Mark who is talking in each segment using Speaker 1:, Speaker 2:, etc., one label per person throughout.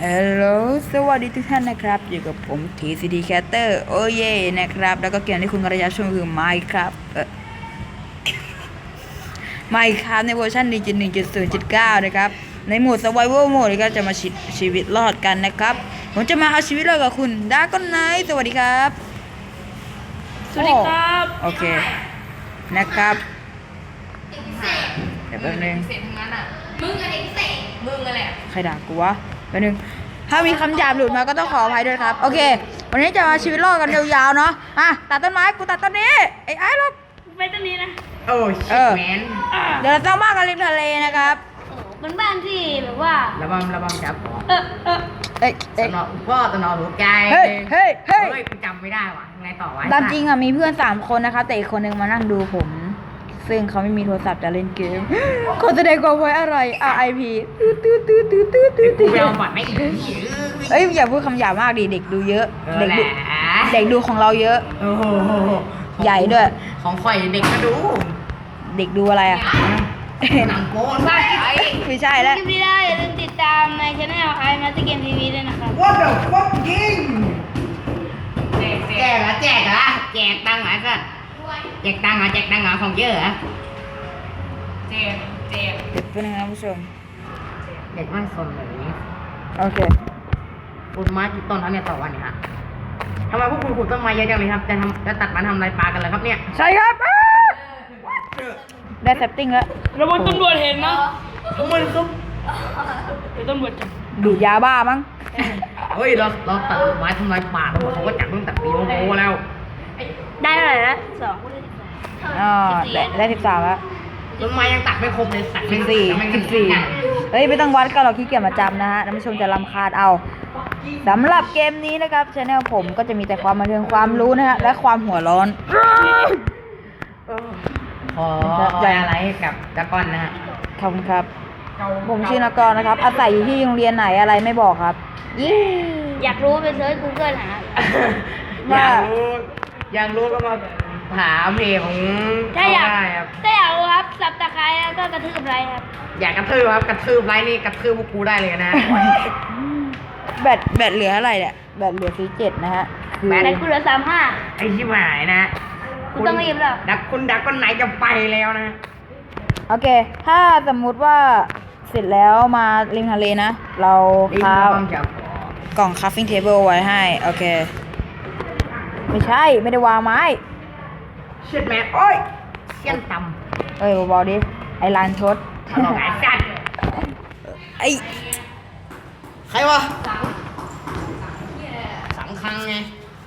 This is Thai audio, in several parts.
Speaker 1: ฮัลโหลสวัสดีทุกท่านนะครับอยู่กับผม TCD Caster โอ้เย่นะครับแล้วก็เกมที่คุณกระยาชมคือ Minecraft Minecraft ในเวอร์ชัน 1.1.0.9 นะครับในโหมด Survival Mode ก็จะมาชีวิตรอดกันนะครับผมจะมาเอาชีวิตรอดกับคุณดาก้อนไนท์สวัสดีครับ
Speaker 2: สวัสดีครับ
Speaker 1: โอเคนะครับเดี๋ยวแป๊บนึง
Speaker 2: เสร็จทั้งนั้นอ่ะมึงอะไรเสร็จมึงอะไร
Speaker 1: ใครด่ากูวะแป๊บนึงถ้ามีคำหยาบหลุดมาก็ต้องขออภัยด้วยครับโอเควันนี้จะมาชีวิตรอดกันยาวๆเนาะตัดต้นไม้กูตัดต้นนี้ไอ้หรอก
Speaker 2: ไปต้นนี้นะ
Speaker 3: โอ้ชิบแมน
Speaker 1: เดี๋ยวเราต้องมากันริมทะเลนะครับ
Speaker 2: เป็นบ้านที่แบบว่า
Speaker 3: ระบำจับตนอพ่อตนอหัวใจ
Speaker 1: เฮ้ย
Speaker 3: กูจำไม่ได้ว่ะไงต่อวะ
Speaker 1: ตามจริงอ่ะมีเพื่อน3คนนะครับแต่อีกคนนึงมานั่งดูผมซึ่งเขาไม่มีโทรศัพท์จะเล่นเกมเขาแสดงความไว้อะไร RIP
Speaker 3: กูไปเอาบัตรไม่อีก
Speaker 1: อย่าพูดคำหยาบมากดิเด็กดูเยอะเด็กดูของเราเยอะใหญ่ด้วย
Speaker 3: ของข่อยเด็กก็ดู
Speaker 1: เด็กดูอะไรอ่ะ
Speaker 3: หนังโป๊
Speaker 1: ไม่ใช่แล้ว
Speaker 2: คลิปนี้ได้อย่าลืมติดตามในช่องไอมาสเกมทีวีด้วยนะครับ
Speaker 3: What the fuck ยิงแจกตังค์เหรอแจกตังค์เหรอของเยอะเหรอ
Speaker 2: แจก
Speaker 1: เด็กเป็นยังไงผู้ชม
Speaker 3: เด็กไม่สนเลยนี้
Speaker 1: โอเค
Speaker 3: ปลูกไม้กี่ต้นแล้วเนี่ยต่อวันเนี่ยฮะทำไมพวกคุณปลูกต้นไม้เยอะจังเลยครับจะตัดมันทำอะไรปลากันเลยครับเนี่ย
Speaker 1: ใช่ครับได้เซตติ้งแล้ว
Speaker 2: ระวังตำรวจเห็นนะ
Speaker 3: มันซุป
Speaker 2: เดี๋ยวตำรวจจับ
Speaker 1: ดูดยาบ้ามั้ง
Speaker 3: เฮ้ยเราตัดไม้ทำลายป่าตำรวจเขาก็จับตั้งแต่ปีโมแล้ว
Speaker 2: ได้เท่าไหร่นะ
Speaker 1: ได้13แล้ว
Speaker 3: ต้นไม้ยังตัดไม่ครบเลยตัดไม่
Speaker 1: 14เฮ้ยไม่ต้องวัดก็เราขี้เกียจมาจำนะฮะท่านผู้ชมจะรำคาญเอาสำหรับเกมนี้นะครับช anel ผมก็จะมีแต่ความบันเทิงความรู้นะฮะและความหัวร้อน
Speaker 3: ขออะไรกับดากอนนะฮะ
Speaker 1: ขอบคุณครับผมชื่อนกรนะครับอาศัยอยู่ที่โรงเรียนไหนอะไรไม่บอกครับ
Speaker 2: อยากรู้ไปเซิร์ช Google หา
Speaker 3: อยากรู้ก็มาหาเพจของ
Speaker 2: ถ้าอยากรู้ครับสับตะไคร้แล้วก็กระทืบไลค์ครับ
Speaker 3: อยากกระทืบครับกระทืบไลค์นี่กระทืบพวกกูได้เลยนะ
Speaker 1: แบตเหลืออะไรเนี่ยแบตเหลือ47นะฮะ
Speaker 2: แบตกูเหลือ35
Speaker 3: ไอ้ชิบหายนะ
Speaker 2: กูต้องรีบแล้ว
Speaker 3: ดักคนไหนจะไปแล้วนะ
Speaker 1: โอเคถ้าสมมุติว่าเสร็จแล้วมาริมทะเลนะเราคราฟกล่อง crafting table ไว้ให้โอเคไม่ใช่ไม่ได้วางไม้
Speaker 3: เช็ดแม่โอ้ยเชี่ยนต่
Speaker 1: ำเบาๆดิไอ้ลานชด
Speaker 3: ไอ้สัตว์
Speaker 1: ไอ้
Speaker 3: ใครวะสังคังไง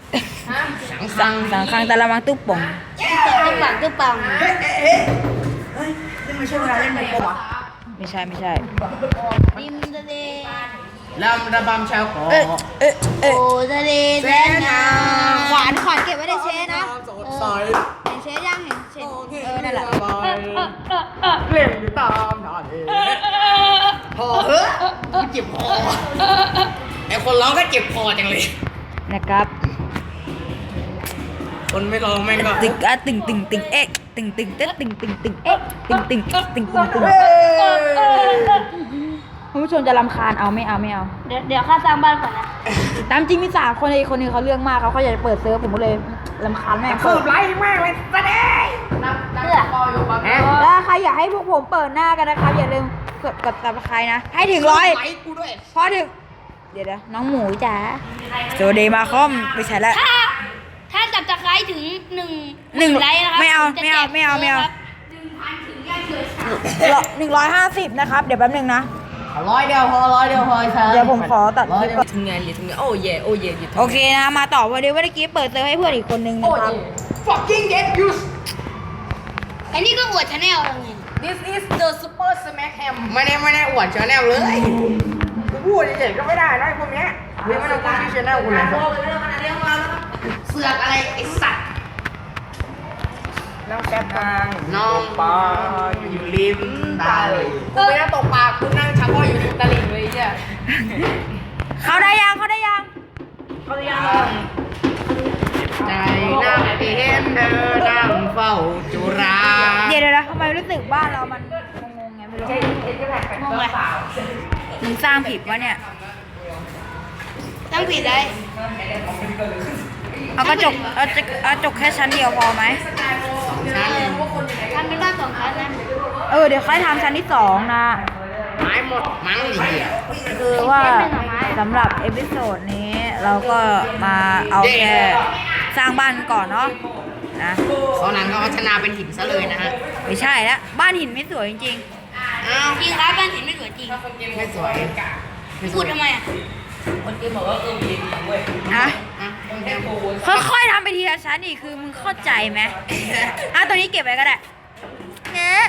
Speaker 1: สังคังแต่ละมังตุ๊บป่อง
Speaker 2: ตุ๊บปัง
Speaker 3: เฮ้ยนี่ไม่ใช่เวลาเล่นโมปะ
Speaker 1: ไม่ใช่
Speaker 2: ริมทะเล
Speaker 3: ระบำชาวขอ
Speaker 2: โอ้ทะเลแสนงาม
Speaker 1: ขวานเก็บไว้ในเชนะเห็นเชยังเห็นเชนั่นแหละ
Speaker 3: เล่นอยู่ตามทะเลพอเฮ้ยเจ็บคอไอคนร้องก็เจ็บคอจังเลย
Speaker 1: นะครับ
Speaker 3: คนไม่ร้องแม่งก็
Speaker 1: ตึงเอ๊ะตึงเอ๊ะตึงเอ๊ะตึงคุณผู้ชมจะรำคาญเอาไม่เอา
Speaker 2: เดี๋ยวข้าสร้างบ้านก่อนนะ
Speaker 1: ตามจริงมี3คนคนนึงเขาเรื่องมากเขาอยากจะเปิดเซิร์ฟผมก็เลยรำคาญแม่
Speaker 3: เปิดไลฟ์มากเลยแสดง
Speaker 1: แล้วใครอยากให้พวกผมเปิดหน้ากันนะครับอย่าลืมกดซับสไครต์นะให้ถึง100พอถึงเดี๋ยวน้องหมูจ๋าโจเดมาคอมไม่ใช่แล้ว
Speaker 2: ถ้าจับตะไคร้ถึง1ไลค์นะครับ
Speaker 1: ไม่เอา1,000 ถึง150นะครับเดี๋ยวแป๊บนึงนะ
Speaker 3: 100 เดียวพอเ
Speaker 1: ดี๋ยวผมขอตัด
Speaker 3: ถึงไงโอ้เย่
Speaker 1: โอเคนะมาต่อวันนี้เมื่อกี้เปิดเซิร์ฟให้เพื่อนอีกคนนึงนะครับ
Speaker 3: fucking get used
Speaker 2: อันนี้ก็อวดชาแนลแล้วไง
Speaker 3: this is the super smack ham ไม่ได้อวดชาแนลเลยกูพูดเฉยๆก็ไม่ได้นะพวกเนี้ยไม่ต้องพูดที่ชาแนลกูเลยเสือกอะไรไอ้สัตว์น้องแซ่บน้องปลาอยู่ริมตลิ่งกูไม่ได้ตกปลากูนั่งชักว่ายอยู่ริมตลิ่งเลยเนี่ย
Speaker 1: เขาได้ยัง
Speaker 3: ใจนั่งเห็นเธอนั่งเฝ้าจุฬา
Speaker 1: เดี๋ยวทำไมรู้สึกบ้านเรามันงงไงไม่รู้งงเลยมึงสร้างผิดวะเนี่ย
Speaker 2: ต้องผิดเลย
Speaker 1: เอากระจกแค่ชั้นเดียวพอไหม
Speaker 2: ทำเป็นบ้าน2 ชั้นนะ
Speaker 1: เดี๋ยวค่อยทำชั้นที่2นะ
Speaker 3: ไม้หมดมั้งไอ้เหี้ย
Speaker 1: คือว่าสำหรับเอพิโซดนี้เราก็มาเอาแค่สร้างบ้านก่อนเนาะนะ
Speaker 3: เขานั้นก็พัฒนาเป็นหินซะเลยนะฮะ
Speaker 1: ไม่ใช่แล้วบ้านหินไม่สวยจริง
Speaker 3: อ้าว
Speaker 2: จริงครับบ้านหินไม่สวยจริง
Speaker 3: ไม่สวย
Speaker 2: พูดทำไมอ่ะ
Speaker 1: ๆนะ
Speaker 3: อ่ะคนแก้ม
Speaker 1: ค่อยๆทำไปทีละชั้นอีกคือมึงเข้าใจไหม ตัวนี้เก็บไว้ก็ได้เนี่ย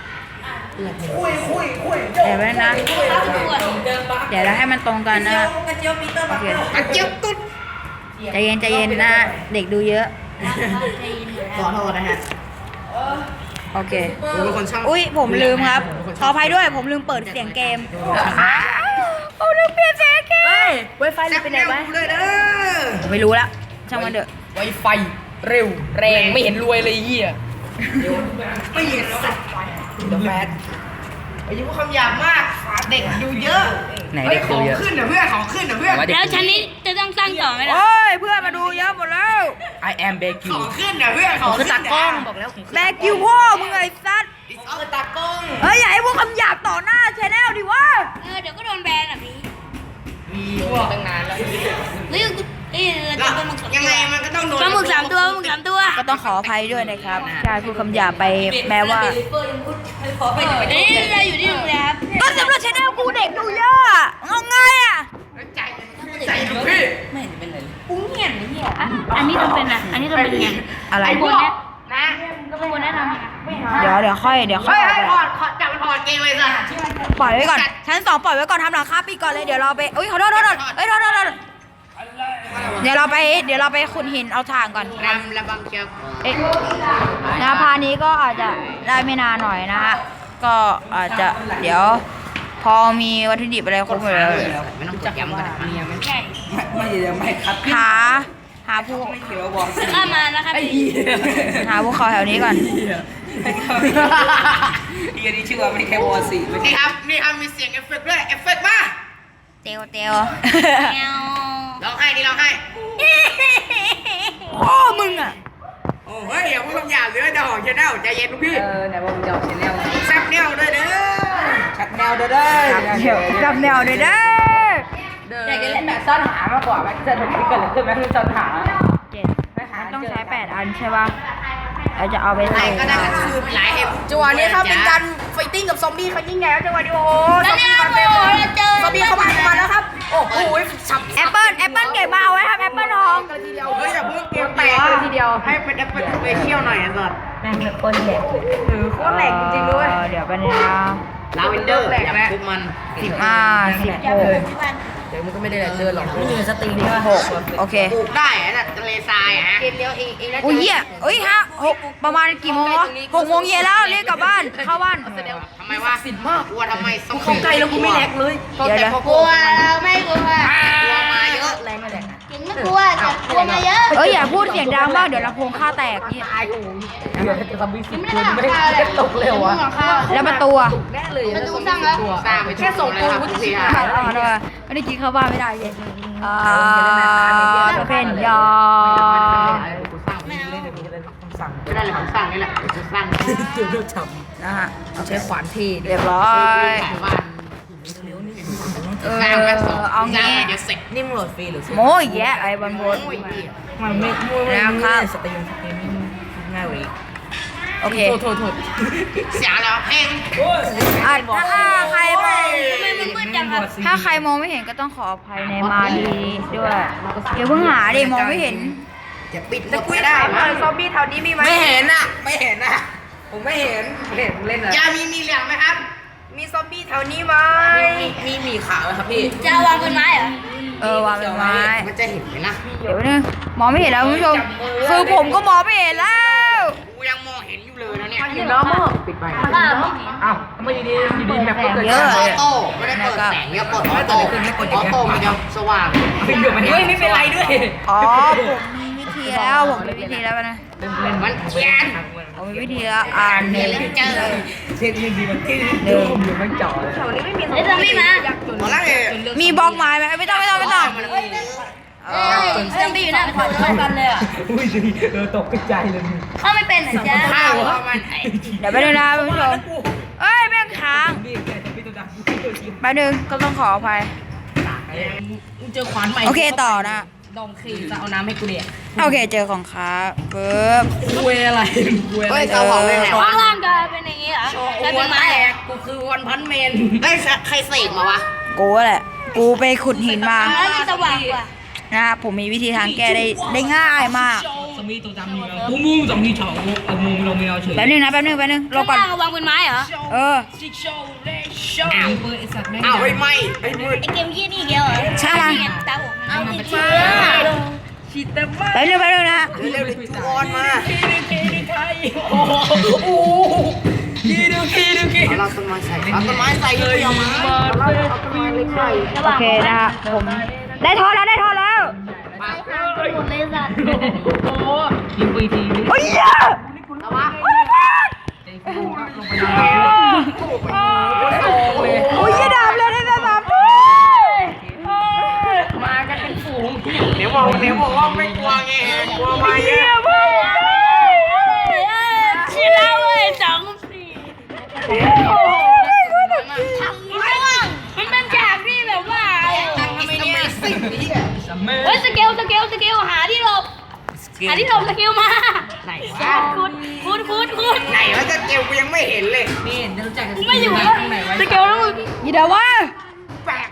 Speaker 1: เดี๋ยวไว้นะ เดี๋ยวเราให้มันตรงกันนะโอเค
Speaker 3: กระเจี๊ยบตุ๊ด
Speaker 1: ใจเย็นนะ เด็กดูเยอะ
Speaker 3: ขอโทษนะฮะ
Speaker 1: โอเค
Speaker 3: ผมเป็นคนช่าง
Speaker 1: อุ้ยผมลืมครับ ขออภัยด้วยผมลืมเปิดเสียงเกมผมลืมเปลี่ยนเสียงเกม Wi-Fi
Speaker 3: แซ่บ
Speaker 1: ไปไห
Speaker 3: แน
Speaker 1: น
Speaker 3: ว
Speaker 1: วะ
Speaker 3: กูเลยเด้อ
Speaker 1: ไม่รู้ละช่างมันเถอะ
Speaker 4: ไวไฟเร็วแรงไม่เห็นรวยเลยเหี้ย
Speaker 3: ไม่เห็นสัตว์เดอะแฟนอายุคำหยาบมากเด็กดูเยอะ
Speaker 4: ไหน
Speaker 3: เฮ้
Speaker 4: เด็
Speaker 3: ย
Speaker 4: ก
Speaker 3: ข
Speaker 4: ดู
Speaker 3: อง
Speaker 4: เยอะ
Speaker 3: ขึ้นเหรอเพื่อนของขึ้นเหรอเพื่อน
Speaker 2: แล้วชั้นนี้จะต้องสร้างต่อไหมล่ะ
Speaker 1: โอ้ยเพื่อนมาดูเยอะหมดแล้ว
Speaker 4: I am Becky
Speaker 3: ของขึ้นเหรอเพื่อนของ
Speaker 4: คือ
Speaker 3: ขึ้น
Speaker 4: ตากล้องบอกแล้ว
Speaker 1: แบกคิวพ่อมึงไอ้สัตว์
Speaker 3: ตากล้อง
Speaker 1: เฮ้ยอย่าให้พวกคำหยาบต่อหน้าชแนลดิวะ
Speaker 2: เดี๋ยวก็โดนแบนอ่ะพี่
Speaker 3: มีพวก
Speaker 4: ตั้งนานแล้ว
Speaker 2: เฮ้ยจะเป็นมึง
Speaker 3: ยังไงมันก็ต้องโดน
Speaker 2: ปลาหมึก3 ตัวปลาหมึก3 ตัว
Speaker 1: ก็ต้องขออภัยด้วยนะครับใช่พูดคำหยาบไปแม้ว่า
Speaker 2: นี่เราอยู่ที่โรงแรม
Speaker 1: ก็สำหรับชแนลกูเด็กดูเยอะอะเอาไงอ่ะ
Speaker 3: ใจใจดูพี่
Speaker 4: ไม่เห็นเป็นไรเลย
Speaker 2: ปุ้งเหี้ยนนี่อ่ะอันนี้ต้องเป็นอ่ะอันนี้ต้องเป็นไง
Speaker 1: อะไร
Speaker 3: ไอ้พวกนะ
Speaker 2: ก็เป็นคนแนะนำไง
Speaker 1: เดี๋ยวค่อย
Speaker 3: เฮ้ย
Speaker 1: ออก
Speaker 3: ให้
Speaker 1: ไป
Speaker 3: ถอดจับมันถอดเกงเลยสิ
Speaker 1: ปล่อยไว้ก่อนชั้น2ปล่อยไว้ก่อนทำหลังคาปีก่อนเลยเดี๋ยวเราไปอุ้ยขอโทษเอ้ยโทษเดี๋ยวเราไปขุดหินเอาถ่านก่อน
Speaker 3: รำระบังเชียว
Speaker 1: เอ๊ะนะพานี้ก็อาจจะได้ไม่นานหน่อยนะฮะก็อาจจะเดี๋ยว พอมีวัตถุดิบอะไรครบหมดแล้ว
Speaker 3: ไม่ต้องจับย้ำกันนะ
Speaker 2: ใช่
Speaker 4: ไม่ยังไม่คัด
Speaker 1: หาผู้
Speaker 4: เขียวบอก
Speaker 2: ข้ามานะครับ
Speaker 1: หาพวกเขาแถวนี้ก่อน
Speaker 4: เฮียนี่ชื่อว่าไม่แค่วอร์สี่ไม่
Speaker 3: นี่ครับนี่ครับมีเสียงเอฟเฟกต์ด้วยเอฟเฟกต์มา
Speaker 1: เตียว
Speaker 2: แมว
Speaker 3: ร้องให้นี่ร้องให้
Speaker 1: พ่อมึงอ่ะ
Speaker 3: โอ้เฮ้ยอย่าพูดคำหยาบเลยเดี๋ยวของชแนลใจเย็นลูกพี่
Speaker 4: ไหนบอกมึงจะเอาแนว
Speaker 3: แซ่บแนวด้วยเด้อ
Speaker 4: ชัดแนวเด้อเด้
Speaker 1: จับแนวเลยเด้อ
Speaker 4: อยากจะเล่นแบบซ่อนหามากกว่าไหมจะถึงที่เกิดอะไรขึ้นไหมคือซ่อนหา
Speaker 1: มันต้องใช้8อันใช่ป่ะเราจะเอาไป
Speaker 3: ไหน
Speaker 1: ใส่
Speaker 3: ก็ได้ก็คือหลายเอ็มจังหวะนี้ครับเป็นการไฟติ้งกับซอมบี้เขายิ่งใหญ่แล้วจังหวะนี้โอ้โห
Speaker 2: แล้วเนี่ยโอ้โหเราเจอ
Speaker 3: ซอมบี้เข้ามาแล้วครับโอ้โหสับ
Speaker 1: แอปเปิ้ลเก็บมาเอาไว้ครับแอปเปิ้ลทอง
Speaker 3: ทีเดียวเฮ้ยอย่าเพิ่งเกมแตกเลยทีเดียวให้เป็นแอปเปิลสเปเชียลหน่อยอ่ะสัส
Speaker 1: แม่งเป็นคนแหลก
Speaker 3: โคตรแหลกจริงๆด้วย
Speaker 1: เดี๋ยวไปนะ
Speaker 3: ลาเวนเดอร์แหลกนะทุกมัน
Speaker 1: 16
Speaker 4: เดี๋ยวมึงก็ไม่ได้เจอหรอกไม่มีสตรีม
Speaker 1: โอเค
Speaker 3: ปลูกได้อะน่ะทะเลทรายอะฮะ
Speaker 1: อุ้ยเหี้ยเอ้ย6ประมาณกี่โมงวะ6 โมงเย็นแล้วเรียกกลับบ้านเข้าบ้าน
Speaker 3: ทำไมวะสินมากกลัวทำไมต้อง
Speaker 4: เข้าใจแล้วกูไม่แลกเลย
Speaker 1: เดี๋ยว
Speaker 2: กลัวไม่กลัว
Speaker 3: กลัวมาเยอะ
Speaker 4: แรงไม่แลก
Speaker 2: จริงไม่กลัวแต่กลัวมาเยอะ
Speaker 1: เอ้ยอย่าพูดเสียงดังมากเดี๋ยวลำโพงค่าแตกเนี่ย
Speaker 4: เดี๋ยวจะทำวิสิตกูไม่ได้ตกเร็วอ่ะ
Speaker 1: แล้วประตูอะ
Speaker 4: แน่เลย
Speaker 2: ประตูสร้างแล้ว
Speaker 3: สร้างไปแค่ส่งปูนเสีย
Speaker 1: ไม่ได้กินเข้าบ้านไม่ได้เลยเพนยา
Speaker 2: ไม่เอา
Speaker 4: สั่ง
Speaker 3: ไม่ได้เลยผมสร้างนี่แหละจะสร้าง
Speaker 4: เลือกท
Speaker 1: นะฮะ
Speaker 4: ำใช้ขวานที่
Speaker 1: เรียบร้อย
Speaker 3: บ้าน
Speaker 1: สร้างเอางี้
Speaker 3: เดี๋ยวเสร็จ
Speaker 4: นิ่มโหลดฟรีหรือ
Speaker 1: โม้ยแยะไอ้บอลโบน
Speaker 3: โอ้ยพี่
Speaker 4: มันไม่
Speaker 1: แล้วครับ
Speaker 4: สตรีมง่ายกว่าอีก
Speaker 1: โอเค
Speaker 4: โทษ
Speaker 3: เสียแล้วเพลง
Speaker 1: ถ้าใครมอง
Speaker 2: ทำไมมันมืดจังครับ
Speaker 1: ถ้าใครมองไม่เห็นก็ต้องขออภัยในมาดีด้วยอย่าเพิ่งหาดิมองไม่เห็น
Speaker 3: จะปิดหมดไม่ได้มั้ย
Speaker 1: ซอมบี้แถวนี้มีไหม
Speaker 4: ไม่เห็นอ่ะ ไม่เห็นอ่ะ ผมไม่เห็นเล่นอ่ะ
Speaker 3: ยามีเหลืองไหมครับ
Speaker 1: มีซอมบี้แถวนี้ไหม
Speaker 4: มีขาวไหมครับพี่
Speaker 2: จะวางเป็นไม้เหรอ
Speaker 1: วางเป็นไม้
Speaker 3: มันจะเห็นไหมนะ
Speaker 1: เดี๋ยวนึงมองไม่เห็นแล้วคุณผู้ชมคือผมก็มองไม่เห็นแล้ว
Speaker 3: กูยังมองเห็นอยู่เลยนะเนี่ย
Speaker 4: อยู่น้ำมั้งปิดไป
Speaker 2: บ้าไม่เห็น
Speaker 4: อ้าวไม่ดีแบบก็เกิด
Speaker 3: ออโต้ไม่ได้เปิดแสงเยอะกดออโต้ออโต้มันจะสว่าง
Speaker 4: เฮ้ยไม่เป็นไรด้วย
Speaker 1: อ๋อผมมีวิธีแล้วนะ
Speaker 3: มันเขียน
Speaker 1: ผมมีวิธีแล้วหนึ่ง
Speaker 3: เจอ
Speaker 4: เช็คดีมันที่ดูอยู่ไม่จอด
Speaker 2: ไอ้ซอมบี้มา
Speaker 3: ตอนแรก
Speaker 1: มีบล็อกไม้ไหมไม่ต้อง
Speaker 3: มัน
Speaker 2: ซอมบี้อยู่หน้าประตู
Speaker 4: เข้ากันเลยอ่ะ
Speaker 3: อุ้ยตกใจเลย
Speaker 2: เข้าไม่เป็นเหรอจ๊ะ
Speaker 3: ข้าวประมาณไหน
Speaker 1: เดี๋ยวไปดูนะคุณผู้ชมเอ้ยแม่งค้าง
Speaker 3: พี่แกจะพี่ตัวดำ
Speaker 1: แป๊บนึงก็ต้องขออภัย
Speaker 4: มึงเจอขวานใหม่
Speaker 1: โอเคต่อนะ
Speaker 4: ดองขี่จะเอาน้ำให้กูเด็ก
Speaker 1: โอเคเจอของค้าปึ๊บ
Speaker 4: คุยอะไรคุยอะไร
Speaker 3: เฮ้ยเตาเผาไปไหนวะ
Speaker 2: ข้างล่างกลายเป็นอย่างนี้เหรอ
Speaker 4: โชว์
Speaker 2: กลาย
Speaker 4: วั
Speaker 2: เป็น น
Speaker 4: แต
Speaker 2: ไม้เหรอก
Speaker 4: กูคือวันพันเมน
Speaker 3: เอ้ยใครเสกมาวะ
Speaker 1: กูแหละ กูไปขุดหินมา
Speaker 2: แล้วมันสว่างกว่า
Speaker 1: นะครับผมมีวิธีทางแก้ได้ง่ายมาก
Speaker 4: สมีตัวจำมีเรากูมุ่งสมีเฉาเอามุงลงไม่เอาเฉย
Speaker 1: แป๊บนึงนะแป๊บนึงรอ
Speaker 2: ข้าง
Speaker 1: ก่อน
Speaker 2: ล่างวางเป็นไม้เหรอ
Speaker 1: เออ
Speaker 4: อ้าวเปิดไอสัตว์แม่ง
Speaker 3: อ้าวไม่ไอ้มืด
Speaker 2: ไอเกมยี่นี่เดียวเหรอ
Speaker 1: ช่างมัน
Speaker 2: นี่ไงตาผมเอาติดเชื้อ
Speaker 4: ฉีดเต็มมาก
Speaker 1: แป๊บนึงนะ
Speaker 3: เร็วๆเลยทุกคนมา
Speaker 4: โอ้โหกีดู
Speaker 3: เอาเราต้นไม้ใส่เอาต้นไม้ใส่เลยเอามาเอาต้นไม้เล็กใส่
Speaker 2: ส
Speaker 1: โอ
Speaker 2: ว่าง
Speaker 1: เคนะครับผมได้ทอแล้ว
Speaker 2: หมดเลยสัตว์
Speaker 4: โอ้ยิงไปที
Speaker 1: โอ้ยเหี้ย
Speaker 3: เอาวะ
Speaker 1: โอ้ยเหี้ยดาบเลยได้ดาบ
Speaker 4: มากันเป็นฝูง
Speaker 3: เดี๋ยวบอกว่าไม่กลัวไงกลัวมาเยอะ
Speaker 2: ชิลาเว้ย2 4ทำไม่ว่างมันเป็นฉากที่แบบว่า เฮ้ยสเกลหาที่หลบสเกลมา
Speaker 3: ไหนวะ
Speaker 2: คุณ
Speaker 3: ไหนวะจะเกลกูยังไม่เห็นเลย
Speaker 4: นี่จะรู้จักกัน
Speaker 2: ไม่อยู่
Speaker 4: ต
Speaker 2: แล้ว
Speaker 4: รงไหนวะ
Speaker 2: สเกลแล้วมึง
Speaker 1: ยีดาวะ
Speaker 3: แปลก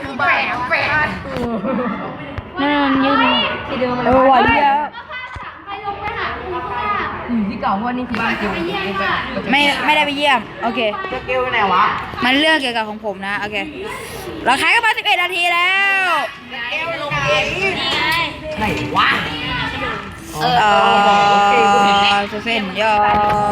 Speaker 1: นั่นยืนเออว่ะเหี้ย
Speaker 2: ใครลงไปหาคุณข้างล่าง
Speaker 4: ที่เก่าว่านี่คือบ้านเกี่ยว
Speaker 1: ไม่ได้ไปเยี่ยมโอเค
Speaker 3: จะเกลไปไหนวะ
Speaker 1: มันเรื่องเกี่ยวกับของผมนะโอเคเราขายกันมา11 นาทีแล้ว
Speaker 3: เกลลงไหน
Speaker 2: นี่ไง
Speaker 3: ไหนวะ
Speaker 1: เส้นยอ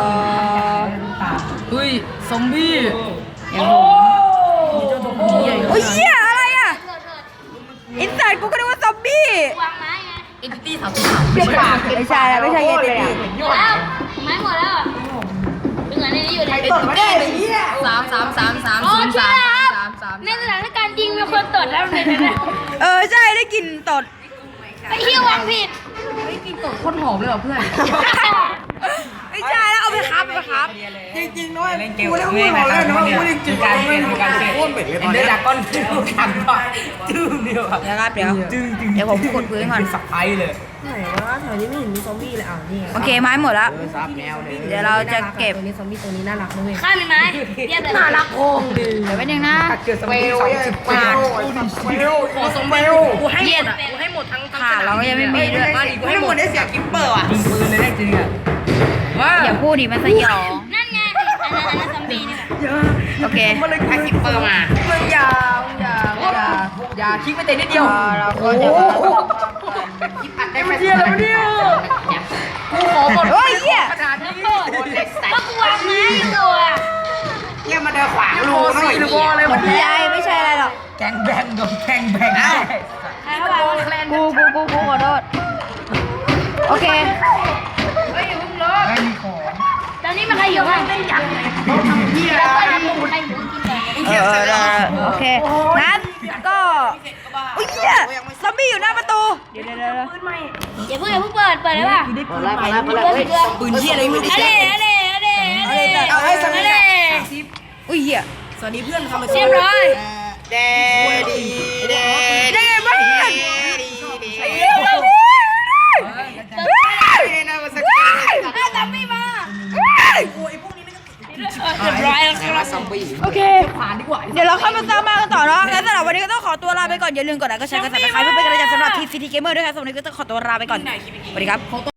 Speaker 4: เฮ้ยซอมบี้
Speaker 1: อย่างผมโอ้ยเหี้ยอะไรอ่ะอินสัตกูก็นึกว่าซอมบี้
Speaker 2: วางไม้ไง
Speaker 4: เอ็นติตี้30
Speaker 3: เป็นปาก
Speaker 1: ไม่ใช่แล้วไม่ใช่เอเจนต์
Speaker 2: หมดแล้วไม้หมดแล้วเป็นไงในนี้อยู่ใน
Speaker 3: ตดไม่ได้เลยเนี่ย
Speaker 4: 3
Speaker 2: อ๋อใช่ครับในสถานการณ์จริงมีคนตดแล้วในนั้น
Speaker 1: ใช่ได้กลิ่นตด
Speaker 2: ไปเที่ยววางผิด
Speaker 4: โคตรหอมเลยเหรอเพื่อน
Speaker 1: ไม่ใช่แล้วเอาไปครับ
Speaker 3: จริงๆด้วยกูได้พูดมาแล้วนะกูได้จริงๆ
Speaker 4: การเปลี่ยนการเปลี่ยน
Speaker 3: โคตรเหม็นเลย
Speaker 4: เอ็นเดอร์ดากอนขันก่อนจึ้งเดียวครับ
Speaker 1: เดี๋ยวครับเดี๋ยวผมขุดพื้นก่อน
Speaker 4: สับไพเลย
Speaker 5: ไหนวะแถวนี้ไม่เห็นมีซอมบี้เลยอ้าวนี่ไง
Speaker 1: โอเคไม้หมดแล้ว
Speaker 3: ซับแนวเลย
Speaker 1: เดี๋ยวเราจะเก็บ
Speaker 5: ตัวนี้ซอมบี้ตัวนี้น่ารักนะเว้ย
Speaker 2: ข้ามมีไม้เทียบเลย
Speaker 5: น่ารักโคงดี
Speaker 1: เดี๋ยวไปหนึ่งนะ
Speaker 4: เกิดส
Speaker 3: เป
Speaker 4: มัย
Speaker 3: ลว
Speaker 4: 30
Speaker 3: เปลวเปลว
Speaker 4: ขอสมบัติกูให้หมดอ่ะกูให้หมดทั้ง
Speaker 1: ขาเราก็ยังไม่มีด้วย
Speaker 3: กูให้หมดได้เสียกิปเปอร์อ่ะ
Speaker 4: ยิงปืนเลยได้จริงอ่ะว้า
Speaker 1: อย่าพูดดิมันสยอง
Speaker 2: นั่นไงอันนั้นซอมบี้นี่แหละ
Speaker 1: โอเค
Speaker 3: ถ้ากิปเปอร์มา
Speaker 4: มึงอย่าคลิกไม่เตะนิดเดียว
Speaker 1: เราก็จะมา
Speaker 3: อัดได้ไม่เที่ยวแล้วเนี่ย
Speaker 4: กูขอหมด
Speaker 1: โอ้ยเหี้ย
Speaker 4: ขนาดนี้
Speaker 2: ก็กูวางไม้ตัว
Speaker 3: เนี่ยมาเดินขวางรู
Speaker 4: โอ้
Speaker 3: หน่
Speaker 4: สี่
Speaker 3: อย
Speaker 4: หรือว่าอะไร
Speaker 1: หม
Speaker 4: วะ
Speaker 1: ดใจไม่ใช่อะไรหรอก
Speaker 4: แกงแบงกับแกงแบง
Speaker 2: ใครเขาวาง
Speaker 1: กูขอโทษโอเค
Speaker 4: ไม่มีของ
Speaker 2: ตอนนี้มันใครอยู่บ้างเป็นยังไงแล้วก็ทำใครอยู่กินก่อน
Speaker 1: โอเคงั้นก็อุ้ยเหี้ยซอมบี้อยู่หน้าประตูเดี๋ยว
Speaker 2: อย่าเพิ่งเปิดได้ป่ะ
Speaker 3: มาแล้วเฮ้ย
Speaker 4: ปืนเชี่ยอะไรไม่รู้
Speaker 2: อะเด้
Speaker 1: อุ้ยเหี้ย
Speaker 5: สวัสดีเพื่อนทำไม
Speaker 2: เรียบร้อย
Speaker 3: เดดีเด
Speaker 1: ได้ไงบ้าง
Speaker 3: ดี
Speaker 1: เหี้ยซอมบี้
Speaker 3: นะมาสักที
Speaker 2: ซอมบี้มา
Speaker 1: เฮ้ย
Speaker 2: เรียบร้อยแล้วครับ
Speaker 3: ซอมบี้
Speaker 1: โอเคเดี๋ยวเราค่อยมาสร้างบ้านกันต่อเนาะแล้วสำหรับวันนี้ก็ต้องขอตัวลาไปก่อนอย่าลืมกดไลค์กดแชร์กดซับสไครป์เพื่อเป็นกำลังใจสำหรับทีม CT Gamer ด้วยครับสำหรับวันนี้ก็ต้องขอตัวลาไปก่อนสวัสดีครับ